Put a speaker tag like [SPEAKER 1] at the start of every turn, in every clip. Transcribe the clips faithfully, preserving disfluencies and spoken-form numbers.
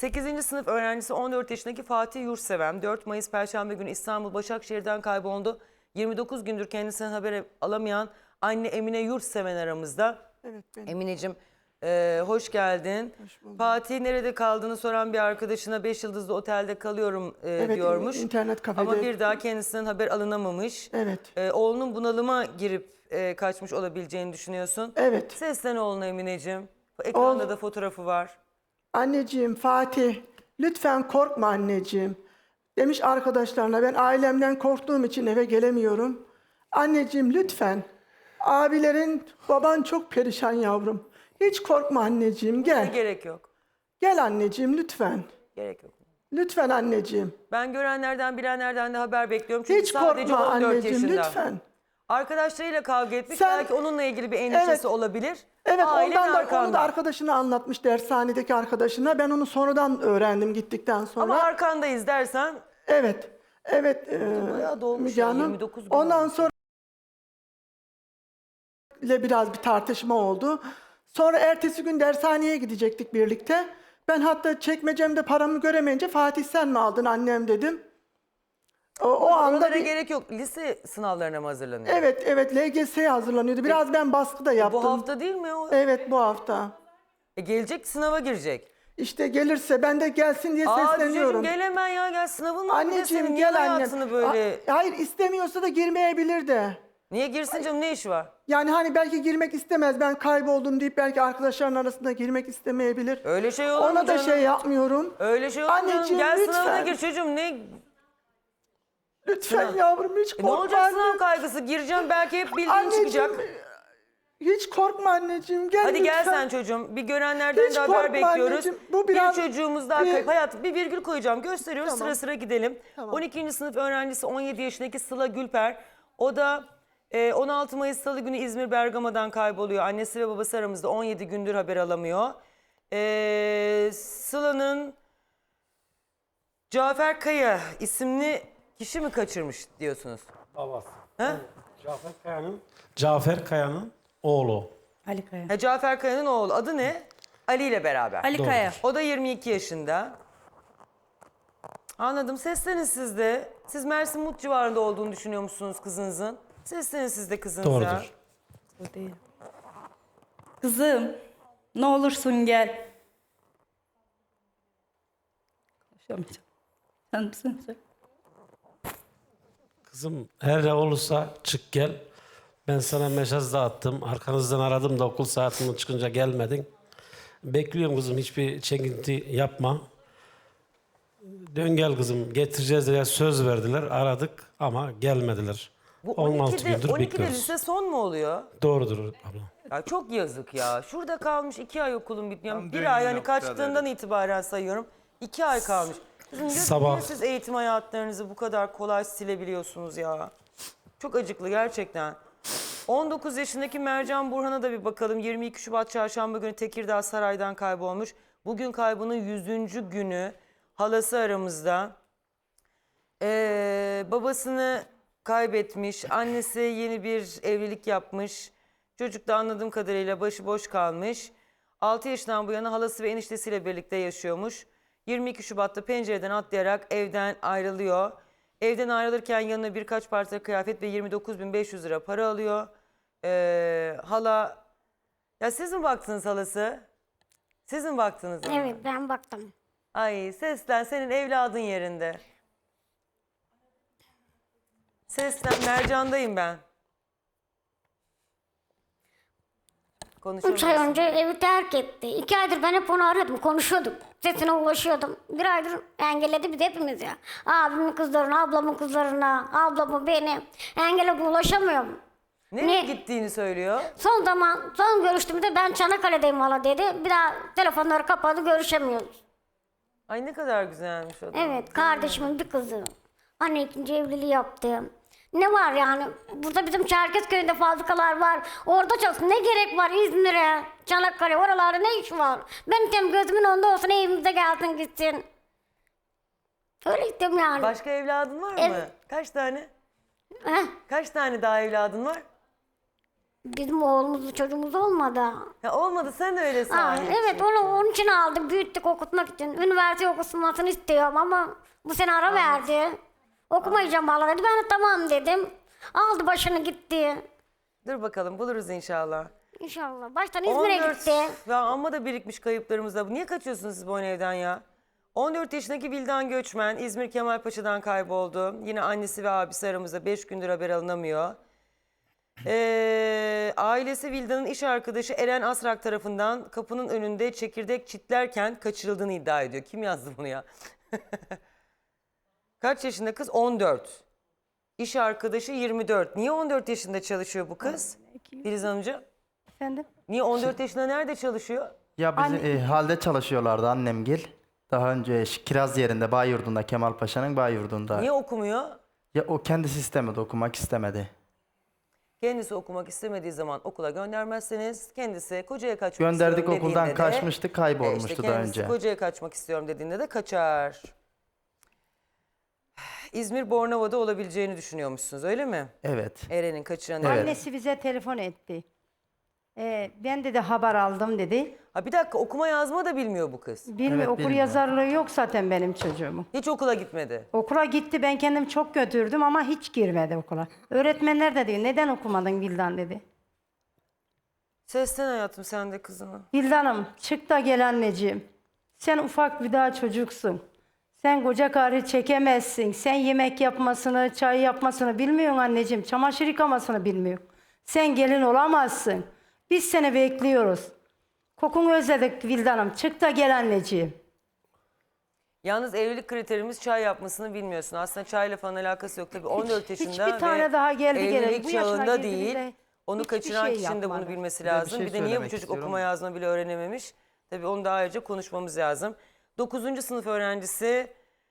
[SPEAKER 1] sekizinci sınıf öğrencisi on dört yaşındaki Fatih Yurtseven dört Mayıs Perşembe günü İstanbul Başakşehir'den kayboldu. yirmi dokuz gündür kendisinden haber alamayan anne Emine Yurtseven aramızda.
[SPEAKER 2] Evet benim.
[SPEAKER 1] Emineciğim e, hoş geldin.
[SPEAKER 2] Hoş buldum.
[SPEAKER 1] Fatih nerede kaldığını soran bir arkadaşına beş yıldızlı otelde kalıyorum e,
[SPEAKER 2] Evet,
[SPEAKER 1] diyormuş.
[SPEAKER 2] internet kafede.
[SPEAKER 1] Ama bir daha kendisinden haber alınamamış.
[SPEAKER 2] Evet.
[SPEAKER 1] E, oğlunun bunalıma girip e, kaçmış olabileceğini düşünüyorsun.
[SPEAKER 2] Evet.
[SPEAKER 1] Seslen oğluna Emineciğim. Ekranda
[SPEAKER 2] Oğul-
[SPEAKER 1] da fotoğrafı var.
[SPEAKER 2] Anneciğim Fatih lütfen korkma anneciğim. Demiş arkadaşlarına ben ailemden korktuğum için eve gelemiyorum. Anneciğim lütfen. Abilerin baban çok perişan yavrum. Hiç korkma anneciğim gel.
[SPEAKER 1] Gerek yok.
[SPEAKER 2] Gel anneciğim lütfen.
[SPEAKER 1] Gerek yok.
[SPEAKER 2] Lütfen anneciğim.
[SPEAKER 1] Ben görenlerden bilenlerden de haber bekliyorum. Çünkü
[SPEAKER 2] Hiç
[SPEAKER 1] sadece
[SPEAKER 2] korkma
[SPEAKER 1] on dört
[SPEAKER 2] anneciğim
[SPEAKER 1] yaşında.
[SPEAKER 2] lütfen.
[SPEAKER 1] Arkadaşlarıyla kavga etmiş.
[SPEAKER 2] Sen-
[SPEAKER 1] Belki onunla ilgili bir endişesi
[SPEAKER 2] Evet.
[SPEAKER 1] olabilir.
[SPEAKER 2] Evet
[SPEAKER 1] Ailen
[SPEAKER 2] ondan da,
[SPEAKER 1] arkanda.
[SPEAKER 2] onu da arkadaşına anlatmış dershanedeki arkadaşına. Ben onu sonradan öğrendim gittikten sonra.
[SPEAKER 1] Ama arkandayız dersen
[SPEAKER 2] Evet. Evet. E,
[SPEAKER 1] bayağı dolmuş
[SPEAKER 2] Müge
[SPEAKER 1] ya,
[SPEAKER 2] Hanım.
[SPEAKER 1] yirmi dokuz gün
[SPEAKER 2] Ondan
[SPEAKER 1] olmuş.
[SPEAKER 2] sonra ile biraz bir tartışma oldu. Sonra ertesi gün dershaneye gidecektik birlikte. Ben hatta çekmecemde paramı göremeyince Fatih sen mi aldın annem dedim. O, o anda
[SPEAKER 1] Oralara
[SPEAKER 2] bir,
[SPEAKER 1] gerek yok. Lise sınavlarına mı hazırlanıyor?
[SPEAKER 2] evet evet L G S'ye hazırlanıyordu. Biraz ben baskı da yaptım.
[SPEAKER 1] Bu hafta değil mi o?
[SPEAKER 2] Evet bu hafta.
[SPEAKER 1] E, gelecek sınava girecek.
[SPEAKER 2] İşte gelirse ben de gelsin diye
[SPEAKER 1] Aa çocuğum
[SPEAKER 2] sesleniyorum.
[SPEAKER 1] gel hemen ya gel sınavın var. Bir de
[SPEAKER 2] Anneciğim
[SPEAKER 1] senin niye
[SPEAKER 2] gel annem.
[SPEAKER 1] hayatını böyle...
[SPEAKER 2] A- Hayır istemiyorsa da girmeyebilir de.
[SPEAKER 1] Niye girsin canım, ne işi var?
[SPEAKER 2] Yani hani belki girmek istemez. Ben kayboldum deyip belki arkadaşların arasında girmek istemeyebilir.
[SPEAKER 1] Öyle şey olur mu
[SPEAKER 2] Ona da
[SPEAKER 1] canım?
[SPEAKER 2] şey yapmıyorum.
[SPEAKER 1] Öyle şey olur mu canım?
[SPEAKER 2] Anneciğim,
[SPEAKER 1] Gel sınavına
[SPEAKER 2] lütfen.
[SPEAKER 1] gir çocuğum. Ne,
[SPEAKER 2] Lütfen
[SPEAKER 1] Sınav.
[SPEAKER 2] yavrum hiç
[SPEAKER 1] e,
[SPEAKER 2] korkma
[SPEAKER 1] ne olacak
[SPEAKER 2] anne.
[SPEAKER 1] sınav kaygısı? Gireceğim belki hep bildiğin
[SPEAKER 2] Anneciğim
[SPEAKER 1] çıkacak.
[SPEAKER 2] hiç korkma anneciğim gel
[SPEAKER 1] Hadi
[SPEAKER 2] lütfen.
[SPEAKER 1] gel sen çocuğum. Bir görenlerden
[SPEAKER 2] Hiç
[SPEAKER 1] de haber
[SPEAKER 2] korkma
[SPEAKER 1] bekliyoruz.
[SPEAKER 2] anneciğim, bu biraz-
[SPEAKER 1] Bir çocuğumuz daha
[SPEAKER 2] bir-
[SPEAKER 1] kayıp. Hayatım bir virgül koyacağım. Gösteriyoruz,
[SPEAKER 2] Tamam.
[SPEAKER 1] sıra sıra gidelim.
[SPEAKER 2] Tamam.
[SPEAKER 1] on ikinci sınıf öğrencisi on yedi yaşındaki Sıla Gülper. O da e, on altı Mayıs Salı günü İzmir Bergama'dan kayboluyor. Annesi ve babası aramızda on yedi gündür haber alamıyor. E, Sıla'nın Cafer Kaya isimli kişi mi kaçırmış diyorsunuz?
[SPEAKER 3] Babası.
[SPEAKER 1] He?
[SPEAKER 3] Cafer Kaya'nın Cafer Kaya'nın oğlu.
[SPEAKER 4] Ali Kaya.
[SPEAKER 1] Ha, Cafer Kaya'nın oğlu. Adı ne? Ali ile beraber.
[SPEAKER 4] Ali Kaya.
[SPEAKER 1] O da yirmi iki yaşında. Anladım. Seslenin siz de. Siz Mersin Mut civarında olduğunu düşünüyor musunuz kızınızın? Seslenin siz de kızınıza.
[SPEAKER 3] Doğrudur.
[SPEAKER 4] O değil. Kızım, ne olursun gel. Konuşamayacağım. Sen misin sen?
[SPEAKER 3] Kızım her ne olursa çık gel. Ben sana mesaj da attım. Arkanızdan aradım da okul saatinden çıkınca gelmedin. Bekliyorum kızım, hiçbir çekinti yapma. Dön gel kızım, getireceğiz diye söz verdiler. Aradık ama gelmediler.
[SPEAKER 1] Bu
[SPEAKER 3] on altı
[SPEAKER 1] on ikide,
[SPEAKER 3] gündür
[SPEAKER 1] on ikide
[SPEAKER 3] bekliyoruz.
[SPEAKER 1] lise son mu oluyor?
[SPEAKER 3] Doğrudur abla.
[SPEAKER 1] Ya çok yazık ya. Şurada kalmış iki ay okulun bitmiyor.
[SPEAKER 5] Tam
[SPEAKER 1] Bir
[SPEAKER 5] düğün
[SPEAKER 1] ay hani
[SPEAKER 5] noktaları.
[SPEAKER 1] kaçtığından itibaren sayıyorum. İki ay kalmış. Kızım diyor ki,
[SPEAKER 3] Sabah-
[SPEAKER 1] niye siz eğitim hayatlarınızı bu kadar kolay silebiliyorsunuz ya? Çok acıklı gerçekten. on dokuz yaşındaki Mercan Burhan'a da bir bakalım. yirmi iki Şubat Çarşamba günü Tekirdağ Saray'dan kaybolmuş. Bugün kaybının yüzüncü günü. Halası aramızda. Ee, babasını kaybetmiş. Annesi yeni bir evlilik yapmış. Çocuk da anladığım kadarıyla başıboş kalmış. altı yaşından bu yana halası ve eniştesiyle birlikte yaşıyormuş. yirmi iki Şubat'ta pencereden atlayarak evden ayrılıyor. Evden ayrılırken yanına birkaç parça kıyafet ve yirmi dokuz bin beş yüz lira para alıyor. Ee, hala... Ya siz mi baktınız halası? Siz mi baktınız? ona?
[SPEAKER 6] Evet ben baktım.
[SPEAKER 1] Ay seslen, senin evladın yerinde. Seslen, Mercan'dayım ben.
[SPEAKER 6] Üç ay
[SPEAKER 1] Konuşamıyorsun.
[SPEAKER 6] önce evi terk etti. İki aydır ben hep onu arıyordum, konuşuyorduk. Sesine ulaşıyordum. Bir aydır engelledi biz hepimiz ya. Abimin kızlarına, ablamın kızlarına, ablamı beni. Engelledi ulaşamıyorum.
[SPEAKER 1] Nereye
[SPEAKER 6] Ne?
[SPEAKER 1] gittiğini söylüyor.
[SPEAKER 6] Son zaman, son görüştüğümde ben Çanakkale'deyim hala dedi. Bir daha telefonları kapadı, görüşemiyoruz.
[SPEAKER 1] Ay ne kadar güzelmiş o da.
[SPEAKER 6] Evet, kardeşimin bir kızı. Anne ikinci evliliği yaptı. Ne var yani? Burada bizim Çerkezköy'ünde fabrikalar var. Orada çalışsın. Ne gerek var İzmir'e, Çanakkale, oralarda ne iş var? Ben istiyorum gözümün önünde olsun, evimize gelsin gitsin. Öyle istiyorum yani.
[SPEAKER 1] Başka evladın var mı?
[SPEAKER 6] Evet.
[SPEAKER 1] Kaç tane?
[SPEAKER 6] Heh,
[SPEAKER 1] Kaç tane daha evladın var?
[SPEAKER 6] Bizim oğlumuz, çocuğumuz olmadı.
[SPEAKER 1] Ya olmadı, sen de öyle
[SPEAKER 6] Aa,
[SPEAKER 1] sahip.
[SPEAKER 6] evet, onu onun için aldık, büyüttük, okutmak için. Üniversite okumasını istiyorum ama bu sene ara verdi. Okumayacağım valla dedi. Ben de tamam dedim. Aldı başını gitti.
[SPEAKER 1] Dur bakalım, buluruz inşallah.
[SPEAKER 6] İnşallah. Baştan İzmir'e
[SPEAKER 1] on dört
[SPEAKER 6] gitti.
[SPEAKER 1] Ya amma da birikmiş kayıplarımız da. Niye kaçıyorsunuz siz bu evden ya? on dört yaşındaki Vildan Göçmen İzmir Kemalpaşa'dan kayboldu. Yine annesi ve abisi aramızda, beş gündür haber alınamıyor. Ee, ailesi Vildan'ın iş arkadaşı Eren Asrak tarafından kapının önünde çekirdek çitlerken kaçırıldığını iddia ediyor. Kim yazdı bunu ya? Kaç yaşında kız? on dört. İş arkadaşı yirmi dört. Niye on dört yaşında çalışıyor bu kız? Filiz Hanımcığım.
[SPEAKER 4] Efendim?
[SPEAKER 1] Niye on dört yaşında nerede çalışıyor?
[SPEAKER 5] Ya bizim e, halde çalışıyorlardı annemgil. Daha önce Ş- Kiraz yerinde, Bayurdu'nda, Kemalpaşa'nın Bayurdu'nda.
[SPEAKER 1] Niye okumuyor?
[SPEAKER 5] Ya o kendisi istemedi, okumak istemedi.
[SPEAKER 1] Kendisi okumak istemediği zaman okula göndermezseniz kendisi kocaya kaçmak
[SPEAKER 5] Gönderdik,
[SPEAKER 1] istiyorum
[SPEAKER 5] okuldan
[SPEAKER 1] dediğinde de,
[SPEAKER 5] kaçmıştı,
[SPEAKER 1] e,
[SPEAKER 5] kaybolmuştu
[SPEAKER 1] işte
[SPEAKER 5] daha
[SPEAKER 1] kendisi
[SPEAKER 5] önce.
[SPEAKER 1] kocaya kaçmak istiyorum dediğinde de kaçar. İzmir Bornova'da olabileceğini düşünüyormuşsunuz, öyle mi?
[SPEAKER 5] Evet.
[SPEAKER 1] Eren'in kaçıran
[SPEAKER 5] Evet.
[SPEAKER 7] Annesi bize telefon etti. Ee, ben dedi haber aldım dedi.
[SPEAKER 1] Ha bir dakika, okuma yazma da bilmiyor bu kız.
[SPEAKER 7] Bilmiyor,
[SPEAKER 5] Evet,
[SPEAKER 7] okur
[SPEAKER 5] bilmiyor.
[SPEAKER 7] yazarlığı yok zaten benim çocuğumun.
[SPEAKER 1] Hiç okula gitmedi.
[SPEAKER 7] Okula gitti, ben kendim çok götürdüm ama hiç girmedi okula. Öğretmenler de diyor, neden okumadın Vildan dedi.
[SPEAKER 1] Seslen hayatım sen de kızına.
[SPEAKER 7] Vildan'ım çık da gel anneciğim. Sen ufak bir daha çocuksun. Sen koca karı çekemezsin. Sen yemek yapmasını, çay yapmasını bilmiyorsun anneciğim. Çamaşır yıkamasını bilmiyorsun. Sen gelin olamazsın. Biz seni bekliyoruz. Kokunu özledik Vildan'ım. Çık da gel anneciğim.
[SPEAKER 1] Yalnız evlilik kriterimiz çay yapmasını bilmiyorsun. Aslında çayla falan alakası yok. Tabii on dört yaşında
[SPEAKER 7] hiçbir tane
[SPEAKER 1] ve
[SPEAKER 7] daha geldi geleli.
[SPEAKER 1] evlilik
[SPEAKER 7] Bu yaşına
[SPEAKER 1] çağında
[SPEAKER 7] girdi
[SPEAKER 1] değil.
[SPEAKER 7] bile
[SPEAKER 1] Onu
[SPEAKER 7] hiçbir
[SPEAKER 1] kaçıran
[SPEAKER 7] şey
[SPEAKER 1] kişinin de bunu
[SPEAKER 7] yapmadı.
[SPEAKER 1] bilmesi
[SPEAKER 5] Bir de bir
[SPEAKER 1] lazım.
[SPEAKER 5] şey
[SPEAKER 1] Bir de niye bu
[SPEAKER 5] söylemek
[SPEAKER 1] çocuk
[SPEAKER 5] istiyorum.
[SPEAKER 1] okuma yazma bile öğrenememiş? Tabii onu daha önce konuşmamız lazım. dokuzuncu sınıf öğrencisi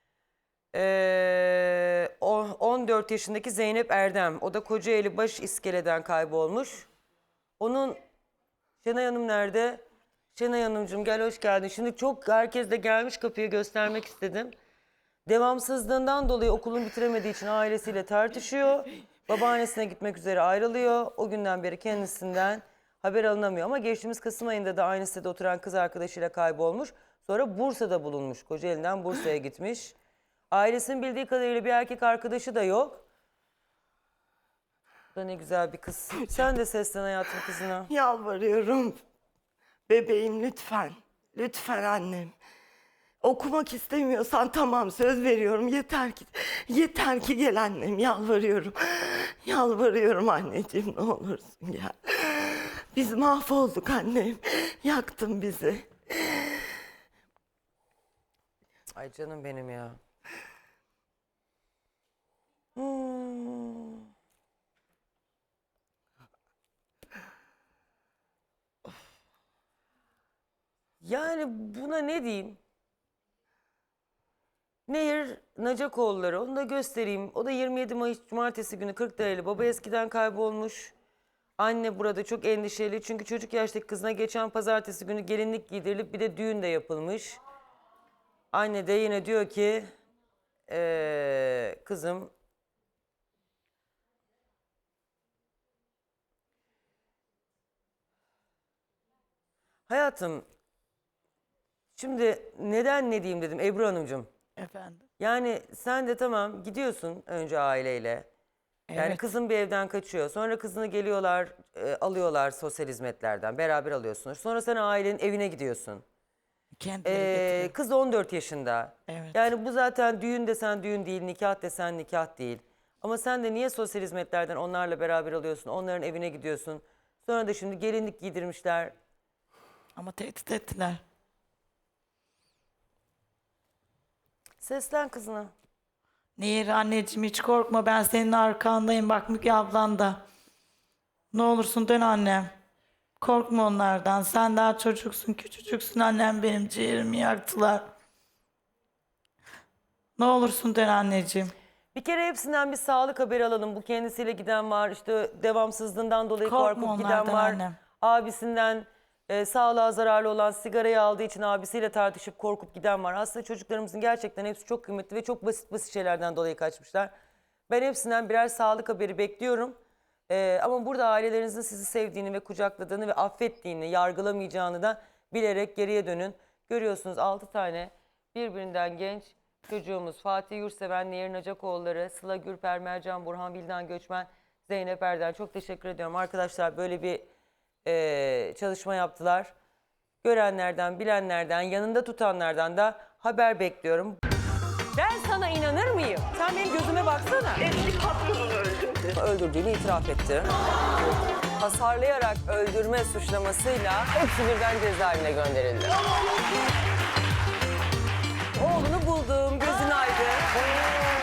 [SPEAKER 1] eee, o- on dört yaşındaki Zeynep Erdem. O da Kocaeli Baş İskele'den kaybolmuş. Onun Şenay Hanım nerede? Şenay Hanımcığım gel, hoş geldin. Şimdi çok herkes de gelmiş, kapıyı göstermek istedim. Devamsızlığından dolayı okulunu bitiremediği için ailesiyle tartışıyor. Babaannesine gitmek üzere ayrılıyor. O günden beri kendisinden haber alınamıyor. Ama geçtiğimiz Kasım ayında da aynı sitede oturan kız arkadaşıyla kaybolmuş. Sonra Bursa'da bulunmuş. Kocaeli'den Bursa'ya gitmiş. Ailesinin bildiği kadarıyla bir erkek arkadaşı da yok. Bu da ne güzel bir kız. Sen de seslen hayatım kızına.
[SPEAKER 8] Yalvarıyorum. Bebeğim lütfen. Lütfen annem. Okumak istemiyorsan tamam, söz veriyorum. Yeter ki yeter ki gel annem, yalvarıyorum. Yalvarıyorum anneciğim, ne olursun gel. Biz mahvolduk annem. Yaktın bizi.
[SPEAKER 1] Ay canım benim ya. Hmm. Yani buna ne diyeyim? Nehir Nacakoğulları, onu da göstereyim. O da yirmi yedi Mayıs Cumartesi günü Kırklareli. Baba eskiden kaybolmuş. Anne burada çok endişeli çünkü çocuk yaştaki kızına geçen pazartesi günü gelinlik giydirilip bir de düğün de yapılmış. Anne de yine diyor ki eee, kızım hayatım, şimdi neden ne diyeyim dedim Ebru Hanımcığım.
[SPEAKER 8] Efendim.
[SPEAKER 1] Yani sen de tamam gidiyorsun önce aileyle. Yani
[SPEAKER 8] Evet.
[SPEAKER 1] kızın bir evden kaçıyor. Sonra kızını geliyorlar, e, alıyorlar sosyal hizmetlerden. Beraber alıyorsunuz. Sonra sen ailenin evine gidiyorsun.
[SPEAKER 8] Kendileri
[SPEAKER 1] Ee,
[SPEAKER 8] getiriyor.
[SPEAKER 1] kız on dört yaşında.
[SPEAKER 8] Evet.
[SPEAKER 1] Yani bu zaten düğün desen düğün değil, nikah desen nikah değil. Ama sen de niye sosyal hizmetlerden onlarla beraber alıyorsun, onların evine gidiyorsun. Sonra da şimdi gelinlik giydirmişler.
[SPEAKER 8] Ama tehdit ettiler.
[SPEAKER 1] Seslen kızına.
[SPEAKER 8] Nehir anneciğim, hiç korkma, ben senin arkandayım. Bak Müge ablan da. Ne olursun dön annem. Korkma onlardan. Sen daha çocuksun, küçücüksün annem, benim ciğerimi yaktılar. Ne olursun dön anneciğim.
[SPEAKER 1] Bir kere hepsinden bir sağlık haberi alalım. Bu kendisiyle giden var, işte devamsızlığından dolayı
[SPEAKER 8] Korkma
[SPEAKER 1] korkup giden
[SPEAKER 8] onlardan
[SPEAKER 1] var.
[SPEAKER 8] annem.
[SPEAKER 1] Abisinden e, sağlığa zararlı olan sigarayı aldığı için abisiyle tartışıp korkup giden var. Aslında çocuklarımızın gerçekten hepsi çok kıymetli ve çok basit basit şeylerden dolayı kaçmışlar. Ben hepsinden birer sağlık haberi bekliyorum. Ee, ama burada ailelerinizin sizi sevdiğini ve kucakladığını ve affettiğini, yargılamayacağını da bilerek geriye dönün. Görüyorsunuz altı tane birbirinden genç çocuğumuz. Fatih Yurtseven, Nehir Nacakoğulları, Sıla Gürper, Mercan Burhan, Vildan Göçmen, Zeynep Erden. Çok teşekkür ediyorum. Arkadaşlar böyle bir e, çalışma yaptılar. Görenlerden, bilenlerden, yanında tutanlardan da haber bekliyorum. Ben sana inanır mıyım? Sen benim gözüme baksana.
[SPEAKER 8] Eski patronunu öldürdü.
[SPEAKER 1] Öldürdüğünü itiraf etti. Hasarlayarak öldürme suçlamasıyla hepsi birden cezaevine gönderildi. Oğlunu buldum, gözün aydın.